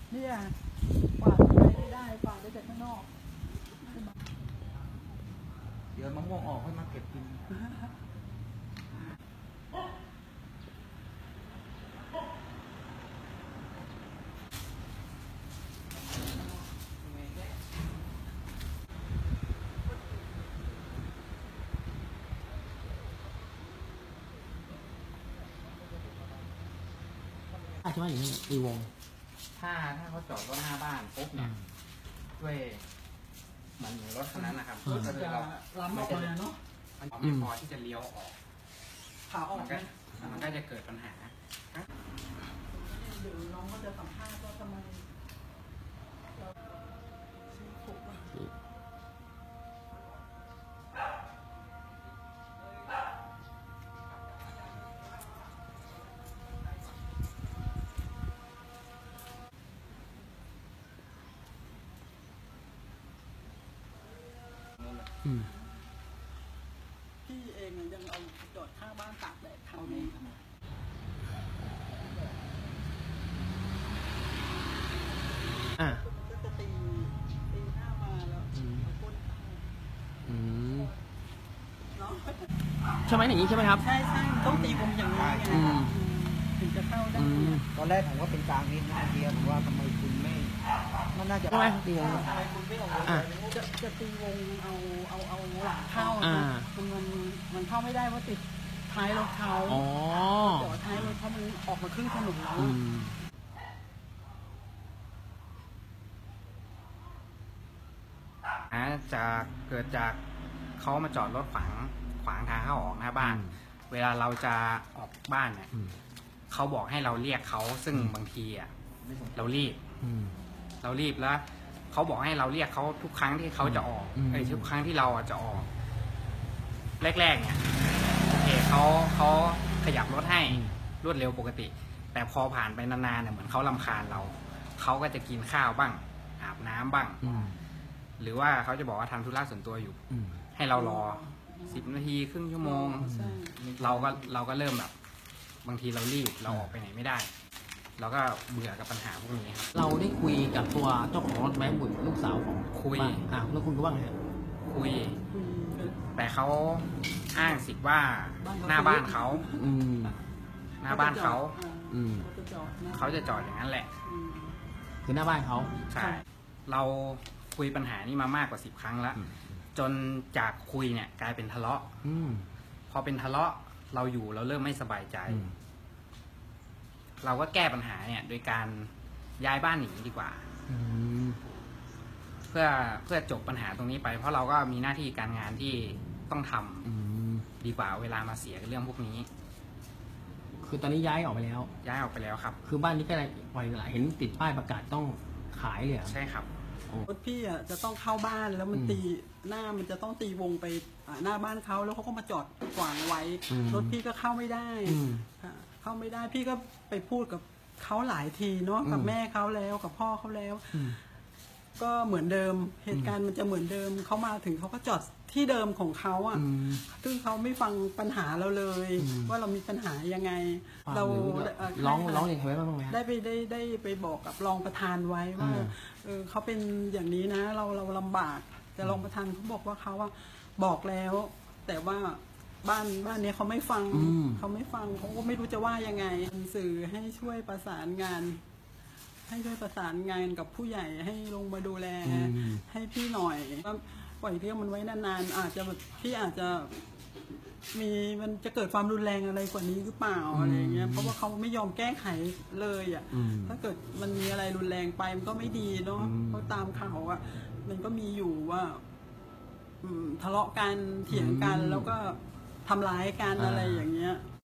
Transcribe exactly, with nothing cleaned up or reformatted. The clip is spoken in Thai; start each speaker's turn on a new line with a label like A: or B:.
A: เนี่ยกวาดไปไม่ได้กวาดได้แต่ข้างนอก
B: เดี๋ยวมะม่วงออกค่อยมาเก็บกิน
C: ใช่ไหมอย่างนี้ตีวง
B: ถ้าถ้าเขาจอดรถหน้าบ้านปุ๊บเนี่ยด้วยเหมือนรถคันนั้นนะครับก็คือเรา
A: ล้ำออกมาเนาะ
B: มันไม่พอที่จะเลี้ยวออก
A: ขาออกไหม
B: มันก็จะเกิดปัญหา
A: เดี๋ยวน้องก็จะสัมภาษณ์ว่าทำไมเราซื้อถูกอ่ะพี่เองยังเอาจอดข้างบ้านตากแดดทำนี้
C: อ่ะ
A: ก็จะตีตีหน้ามาแล้วเอาก้นเข้า
C: อืม
A: เนาะ
C: ใช่ไหมอย่างนี้ใช่ไหมครับ
A: ใช่ใช่ต้องตีวงอย่างนี้ไงถึงจะเข้าได้
B: ตอนแรกผมว่าเป็นกลางนี้นะเดียวผมว่าทำไมคุณไม่มันน่าจะ
C: ใช่ไหมตีวง
A: ทำไมคุณไม่ออกจะจะตีวงเอาเอาเอาหลังเข้ามันมันมันเข้าไม่ได้ว่าติดท้ายรถเขาจอดท้ายรถเขามันออกมาครึ่งถนนแล้ว
B: อาจะเกิดจากเขามาจอดรถขวางขวางทางเข้าออกหน้าบ้านเวลาเราจะออกบ้านเนี่ยเขาบอกให้เราเรียกเขาซึ่งบางทีอ่ะเรารีบเรารีบแล้วเขาบอกให้เราเรียกเขาทุกครั้งที่เขาจะออกไอ้ทุกครั้งที่เราจะออกแรกๆเนี่ยโอเคเขาเขาขยับรถให้รวดเร็วปกติแต่พอผ่านไปนานๆเนี่ยเหมือนเขารำคาญเราเขาก็จะกินข้าวบ้างอาบน้ำบ้างหรือว่าเขาจะบอกว่าทำธุระส่วนตัวอยู่ให้เรารอสิบนาทีครึ่งชั่วโมงเราก็เราก็เริ่มแบบบางทีเรารีบเราออกไปไหนไม่ได้เราก็เบื่อกับปัญหาพวกนี้ครับ
C: เราได้คุยกับตัวเจ้าของรถแมคบุญลูกสาวของ
B: คุย
C: อ่าแล้วคุณก็ว่าไง
B: คุยแต่เขาอ้างสิทธิ์ว่าหน้าบ้านเขาหน้าบ้านเขาเขาจะจอดอย่างนั้นแหละ
C: คือหน้าบ้านเขา
B: ใช่เราคุยปัญหานี้มามากกว่าสิบครั้งแล้วจนจากคุยเนี่ยกลายเป็นทะเลาะพอเป็นทะเลาะเราอยู่เราเริ่มไม่สบายใจเราก็แก้ปัญหาเนี่ยโดยการย้ายบ้านหนีดีกว่าเพื่อเพื่อจบปัญหาตรงนี้ไปเพราะเราก็มีหน้าที่การงานที่ต้องทำดีกว่าเวลามาเสียกับเรื่องพวกนี้
C: คือตอนนี้ย้ายออกไปแล้ว
B: ย้ายออกไปแล้วครับ
C: คือบ้านนี้ก็อะไรปล่อยหลายเห็นติดป้ายประกาศต้องขายเลย
B: ใช่ครับ
A: รถพี่อ่ะจะต้องเข้าบ้านแล้วมันตีหน้ามันจะต้องตีวงไปหน้าบ้านเขาแล้วเขาก็มาจอดขวางไว้รถพี่ก็เข้าไม่ได้เข้าไม่ได้พี่ก็ไปพูดกับเขาหลายทีเนาะกับแม่เขาแล้วกับพ่อเขาแล้วก็เหมือนเดิมเหตุการณ์มันจะเหมือนเดิมเขามาถึงเขาก็จอดที่เดิมของเขาอ่ะซึ่งเขาไม่ฟังปัญหาเราเลยว่าเรามีปัญหายังไงเรา
C: ร้องร้องเรียนใครไว้บ้างไหม
A: ได้ไปได้ได้ไปบอกกับรองประธานไว้ว่าเออเขาเป็นอย่างนี้นะเราเราลำบากแต่รองประธานเขาบอกว่าเขาว่าบอกแล้วแต่ว่าบ้านบ้านนี้เขาไม่ฟังเขาไม่ฟังเขาก็ไม่รู้จะว่ายังไงสื่อให้ช่วยประสานงานให้ช่วยประสานงานกับผู้ใหญ่ให้ลงมาดูแลให้พี่หน่อยว่าปล่อยเรื่องมันไว้นานๆอาจจะแบบพี่อาจจะมีมันจะเกิดความรุนแรงอะไรกว่านี้หรือเปล่าอะไรเงี้ยเพราะว่าเขาไม่ยอมแก้ไขเลยอ่ะถ้าเกิดมันมีอะไรรุนแรงไปมันก็ไม่ดีเนาะเพราะตามข่าวอ่ะมันก็มีอยู่ว่าทะเลาะกันเถียงกันแล้วก็ทำร้ายกันอะไรอย่างเงี้ย